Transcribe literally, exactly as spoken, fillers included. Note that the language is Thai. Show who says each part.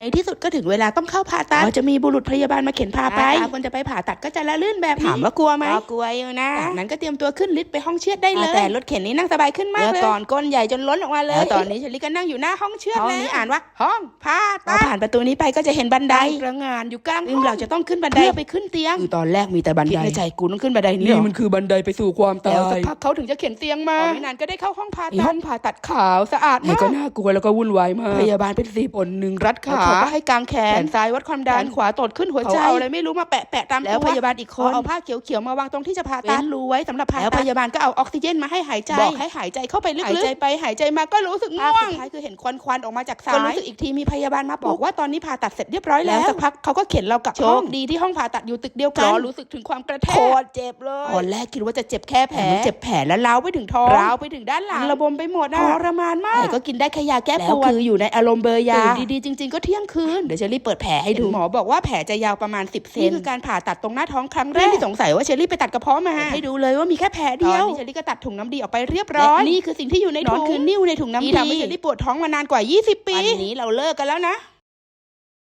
Speaker 1: ที่สุดก็ถึงเวลาต้องเข้าผ่าตัดจะมีบุรุษพยาบาลมาเข็นพาไปคนจะไปผ่าตัดก็จะละลื่นแบบถามว่ากลัวไหมกลัวอยู่นะจากนั้นก็เตรียมตัวขึ้นลิฟต์ไปห้องเชือดได้เลยแต่รถเข็นนี้นั่งสบายขึ้นมากเลยก่อนก้นใหญ่จนล้นออกมาเลยแล้วตอนนี้เชลี่ก็นั่งอยู่หน้าห้องเชือดห้องนี้อ่านว่าห้องผ่าตัดผ่านประตูนี้ไปก็จะเห็นบันไดกระงานอยู่กลางห้องเราจะต้องขึ้นบันไดเพื่อไปขึ้นเตียงคือตอนแรกมีแต่บันไดในใจกูต้องขึ้นบันไดนี้นี่มันคือบันไดไปสู่ความตายแล้วสักพักเขาถึงจะเข็นเตียงมาไม่นานก็ได้เข้าห้องผ่าตัดห้องผ่าตัดขาวสะอาดมากก็น่ากลัวแล้วก็วุ่นวายมากพยาบาลเป็นสิบคนหนึ่งรัดขาเขาก็ให้กางแขนซ้ายวัดความดันขวาตดขึ้นหัวใจเอาอะไรไม่รู้มาแปะแปะตามแล้วพยาบาลอีกคนเอาผ้าเขียวๆมาวางตรงที่จะผ่าตัดรูไว้สำหรับผ่าตัดแล้วพยาบาลก็เอาออกซิเจนมาให้หายใจบอกให้หายใจเข้าไปลึกๆหายใจไปหายใจมาก็รู้สึกง่วงสุดท้ายคือเห็นควันควันออกมาจากซ้ายก็รู้สึกอีกทีมีพยาบาลมาบอกว่าตอนนี้ผ่าตัดเสร็จเรียบร้อยแล้วสักพักเขาก็เข็นเรากลับห้องดีที่ห้องผ่าตัดอยู่ตึกเดียวกันรู้สึกถึงความกระแทกโคตรเจ็บเลยตอนแรกคิดว่าจะเจ็บแค่แผลเจ็บแผลแล้วล้าวไปถึงท้องล้าวไปถึงด้านหลังระบมไปหมดทรมานมากแต่ก็กินได้แค่ยาแก้ปวดคืออยู่ในอารมณ์เบอร์ยาดีๆจริงๆก็เที่ยงคืนเดี๋ยวเชอรี่เปิดแผลให้ดูหมอบอกว่าแผลจะยาวประมาณสิบเซนนี่คือการผ่าตัดตรงหน้าท้องครั้งแรกที่สงสัยว่าเชอรี่ไปตัดกระเพาะมาให้ดูเลยว่ามีแค่แผลเดียวตอนนี้เชอรี่ก็ตัดถุงน้ำดีออกไปเรียบร้อยนี่คือสิ่งที่อยู่ในถุงคือนิ่วในถุงน้ำดีที่ทำให้เชอรี่ปวดท้องมานานกว่ายี่สิบปีวันนี้เราเลิกกันแล้วนะ